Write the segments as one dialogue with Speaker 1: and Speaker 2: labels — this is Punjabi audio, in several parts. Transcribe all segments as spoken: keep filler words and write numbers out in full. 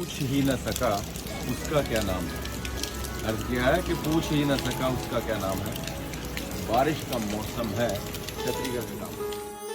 Speaker 1: पूछ ही न सका उसका क्या नाम है। अर्ज किया है कि पूछ ही न सका उसका क्या नाम है। बारिश का मौसम है, छतरी का क्या नाम है।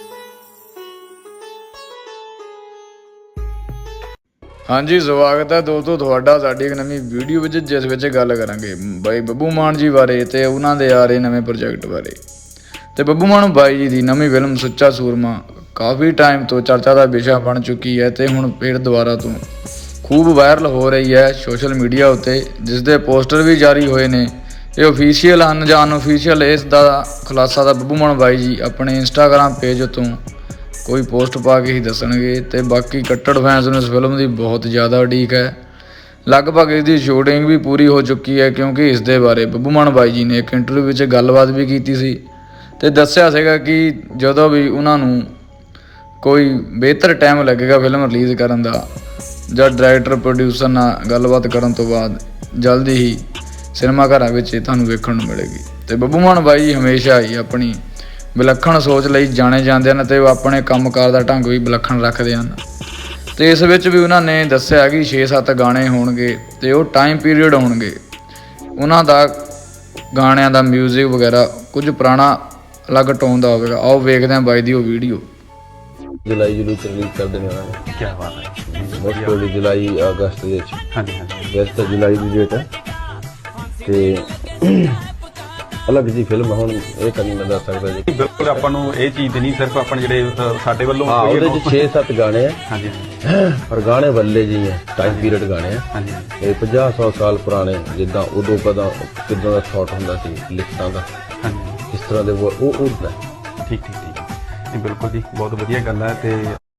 Speaker 2: ਹਾਂਜੀ ਸਵਾਗਤ ਹੈ ਦੋਸਤੋ ਤੁਹਾਡਾ ਸਾਡੀ ਇੱਕ ਨਵੀਂ ਵੀਡੀਓ ਵਿੱਚ, ਜਿਸ ਵਿੱਚ ਗੱਲ ਕਰਾਂਗੇ ਬਾਈ ਬੱਬੂ ਮਾਨ ਜੀ ਬਾਰੇ ਤੇ ਉਹਨਾਂ ਦੇ ਆ ਰਹੇ ਨਵੇਂ ਪ੍ਰੋਜੈਕਟ ਬਾਰੇ। ਤੇ ਬੱਬੂ ਮਾਨ ਬਾਈ ਜੀ ਦੀ ਨਵੀਂ ਫਿਲਮ ਸੁੱਚਾ ਸੂਰਮਾ ਕਾਫੀ ਟਾਈਮ ਤੋਂ ਚਰਚਾ ਦਾ ਵਿਸ਼ਾ ਬਣ ਚੁੱਕੀ ਹੈ ਤੇ ਹੁਣ ਫਿਰ ਦੁਬਾਰਾ ਤੋਂ ਖੂਬ ਵਾਇਰਲ ਹੋ ਰਹੀ ਹੈ ਸੋਸ਼ਲ ਮੀਡੀਆ ਉੱਤੇ, ਜਿਸ ਦੇ ਪੋਸਟਰ ਵੀ ਜਾਰੀ ਹੋਏ ਨੇ। ਇਹ ਓਫੀਸ਼ੀਅਲ ਹਨ ਜਾਂ ਅਨਓਫੀਸ਼ੀਅਲ, ਇਸ ਦਾ ਖੁਲਾਸਾ ਤਾਂ ਬੱਬੂ ਮਾਨ ਬਾਈ ਜੀ ਆਪਣੇ ਇੰਸਟਾਗ੍ਰਾਮ ਪੇਜ ਤੋਂ ਕੋਈ ਪੋਸਟ ਪਾ ਕੇ ਹੀ ਦੱਸਣਗੇ। ਤੇ ਬਾਕੀ ਕੱਟੜ ਫੈਨਸ ਨੂੰ ਇਸ ਫਿਲਮ ਦੀ ਬਹੁਤ ਜ਼ਿਆਦਾ ਉਡੀਕ ਹੈ। ਲਗਭਗ ਇਸ ਦੀ ਸ਼ੂਟਿੰਗ ਵੀ ਪੂਰੀ ਹੋ ਚੁੱਕੀ ਹੈ, ਕਿਉਂਕਿ ਇਸ ਦੇ ਬਾਰੇ ਬੱਬੂ ਮਾਨ ਬਾਈ ਜੀ ਨੇ ਇੱਕ ਇੰਟਰਵਿਊ ਵਿੱਚ ਗੱਲਬਾਤ ਵੀ ਕੀਤੀ ਸੀ ਤੇ ਦੱਸਿਆ ਸੀਗਾ ਕਿ ਜਦੋਂ ਵੀ ਉਹਨਾਂ ਨੂੰ ਕੋਈ ਬਿਹਤਰ ਟਾਈਮ ਲੱਗੇਗਾ ਫਿਲਮ ਰਿਲੀਜ਼ ਕਰਨ ਦਾ ਜਾਂ ਡਾਇਰੈਕਟਰ ਪ੍ਰੋਡਿਊਸਰ ਨਾਲ ਗੱਲਬਾਤ ਕਰਨ ਤੋਂ ਬਾਅਦ ਜਲਦੀ ਹੀ ਸਿਨੇਮਾ ਘਰਾਂ ਵਿੱਚ ਇਹ ਤੁਹਾਨੂੰ ਵੇਖਣ ਨੂੰ ਮਿਲੇਗੀ। ਤੇ ਬੱਬੂ ਮਾਨ ਬਾਈ ਜੀ ਹਮੇਸ਼ਾ ਹੀ ਆਪਣੀ ਵਿਲੱਖਣ ਸੋਚ ਲਈ ਜਾਣੇ ਜਾਂਦੇ ਹਨ ਤੇ ਉਹ ਆਪਣੇ ਕੰਮਕਾਰ ਦਾ ਢੰਗ ਵੀ ਵਿਲੱਖਣ ਰੱਖਦੇ ਹਨ। ਤੇ ਇਸ ਵਿੱਚ ਵੀ ਉਹਨਾਂ ਨੇ ਦੱਸਿਆ ਕਿ ਛੇ ਸੱਤ ਗਾਣੇ ਹੋਣਗੇ ਤੇ ਉਹ ਟਾਈਮ ਪੀਰੀਅਡ ਹੋਣਗੇ ਉਹਨਾਂ ਦਾ ਗਾਣਿਆਂ ਦਾ ਮਿਊਜ਼ਿਕ ਵਗੈਰਾ ਕੁਝ ਪੁਰਾਣਾ ਅਲੱਗ ਟੋਨ ਦਾ ਹੋਵੇਗਾ। ਆਓ ਵੇਖਦੇ ਹਾਂ ਬਾਈ ਦੀ ਉਹ ਵੀਡੀਓ।
Speaker 3: जुलाई जुलाई च रिलीज कर देने वाला है।
Speaker 4: क्या बात है।
Speaker 3: मोस्ट प्रोबेबली जुलाई अगस्त ਦੇ ਵਿੱਚ।
Speaker 4: हाँ जी हाँ जी
Speaker 3: ਵੈਸੇ ਤਾਂ ਜੁਲਾਈ ਦੀ ਡੇਟ ਹੈ ਤੇ ਅਲੱਗ ਜੀ ਫਿਲਮ ਹੁਣ ਇਹ ਤਾਂ ਨਹੀਂ ਮੈਂ ਦੱਸ ਸਕਦਾ ਜੀ।
Speaker 4: ਬਿਲਕੁਲ ਆਪਾਂ ਨੂੰ ਇਹ ਚੀਜ਼ ਨਹੀਂ, ਸਿਰਫ ਆਪਾਂ ਜਿਹੜੇ ਅ, ਸਾਡੇ ਵੱਲੋਂ
Speaker 3: ਹਾਂ ਉਹਦੇ ਚ ਛੇ ਸੱਤ ਗਾਣੇ ਆ
Speaker 4: हाँ जी
Speaker 3: ਪਰ ਗਾਣੇ ਬੱਲੇ ਜੀ ਹੈ, ਟਾਈਮ ਪੀਰੀਅਡ ਗਾਣੇ ਆ।
Speaker 4: हाँ जी
Speaker 3: ਇਹ ਪੰਜਾਹ ਸੌ ਸਾਲ ਪੁਰਾਣੇ, ਜਿੱਦਾਂ ਉਦੋਂ ਕਦਾ ਕਿੱਦਾਂ ਦਾ ਸ਼ਾਟ ਹੁੰਦਾ ਸੀ ਲਿਖਤਾਂ ਦਾ,
Speaker 4: हाँ जी
Speaker 3: ਇਸ ਤਰ੍ਹਾਂ ਦੇ ਉਹ ਉਹ ਹੁੰਦਾ।
Speaker 4: ठीक ठीक ठीक नहीं बिल्कुल जी बहुत वधिया गल है। ते